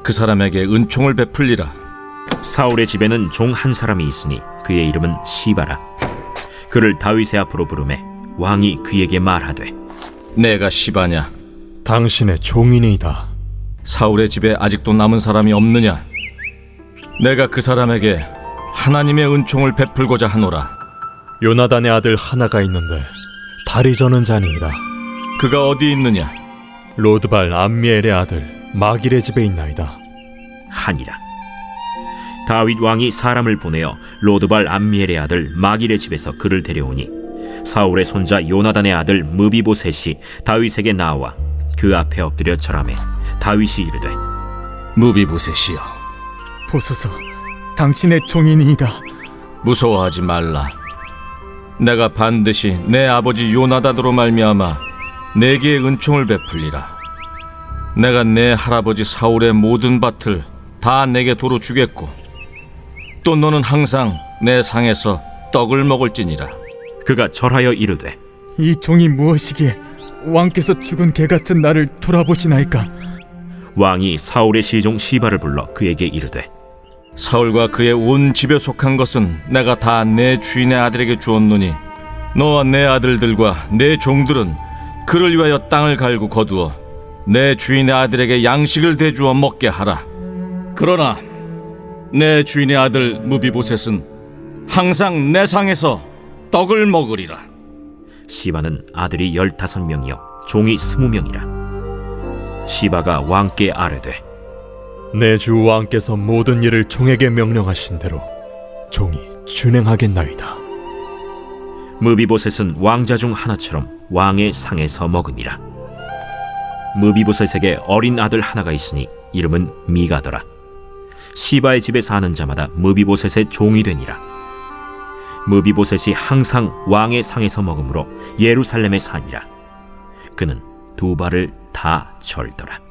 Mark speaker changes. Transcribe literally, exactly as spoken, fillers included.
Speaker 1: 그 사람에게 은총을 베풀리라.
Speaker 2: 사울의 집에는 종 한 사람이 있으니 그의 이름은 시바라. 그를 다윗의 앞으로 부르매 왕이 그에게 말하되,
Speaker 1: 내가 시바냐?
Speaker 3: 당신의 종이니이다.
Speaker 1: 사울의 집에 아직도 남은 사람이 없느냐? 내가 그 사람에게 하나님의 은총을 베풀고자 하노라.
Speaker 3: 요나단의 아들 하나가 있는데 다리 저는 자니이다.
Speaker 1: 그가 어디 있느냐?
Speaker 3: 로드발 암미엘의 아들 마길의 집에 있나이다.
Speaker 2: 하니라. 다윗 왕이 사람을 보내어 로드발 암미엘의 아들 마길의 집에서 그를 데려오니 사울의 손자 요나단의 아들 무비보셋이 다윗에게 나와 그 앞에 엎드려 절하매 다윗이 이르되,
Speaker 1: 무비보셋이여,
Speaker 4: 보소서, 당신의 종이니이다.
Speaker 1: 무서워하지 말라. 내가 반드시 내 아버지 요나단으로 말미암아 내게 은총을 베풀리라. 내가 내 할아버지 사울의 모든 밭을 다 내게 도로 주겠고 또 너는 항상 내 상에서 떡을 먹을지니라.
Speaker 2: 그가 절하여 이르되,
Speaker 4: 이 종이 무엇이기에 왕께서 죽은 개 같은 나를 돌아보시나이까?
Speaker 2: 왕이 사울의 시종 시바를 불러 그에게 이르되,
Speaker 1: 사울과 그의 온 집에 속한 것은 내가 다 내 주인의 아들에게 주었노니 너와 내 아들들과 내 종들은 그를 위하여 땅을 갈고 거두어 내 주인의 아들에게 양식을 대주어 먹게 하라. 그러나 내 주인의 아들 무비보셋은 항상 내 상에서 떡을 먹으리라.
Speaker 2: 시바는 아들이 열다섯 명이요 종이 스무 명이라. 시바가 왕께 아뢰되,
Speaker 3: 내 주 왕께서 모든 일을 종에게 명령하신 대로 종이 준행하겠나이다.
Speaker 2: 무비보셋은 왕자 중 하나처럼 왕의 상에서 먹으니라. 무비보셋에게 어린 아들 하나가 있으니 이름은 미가더라. 시바의 집에 사는 자마다 무비보셋의 종이 되니라. 무비보셋이 항상 왕의 상에서 먹으므로 예루살렘에 사니라. 그는 두 발을 다 절더라.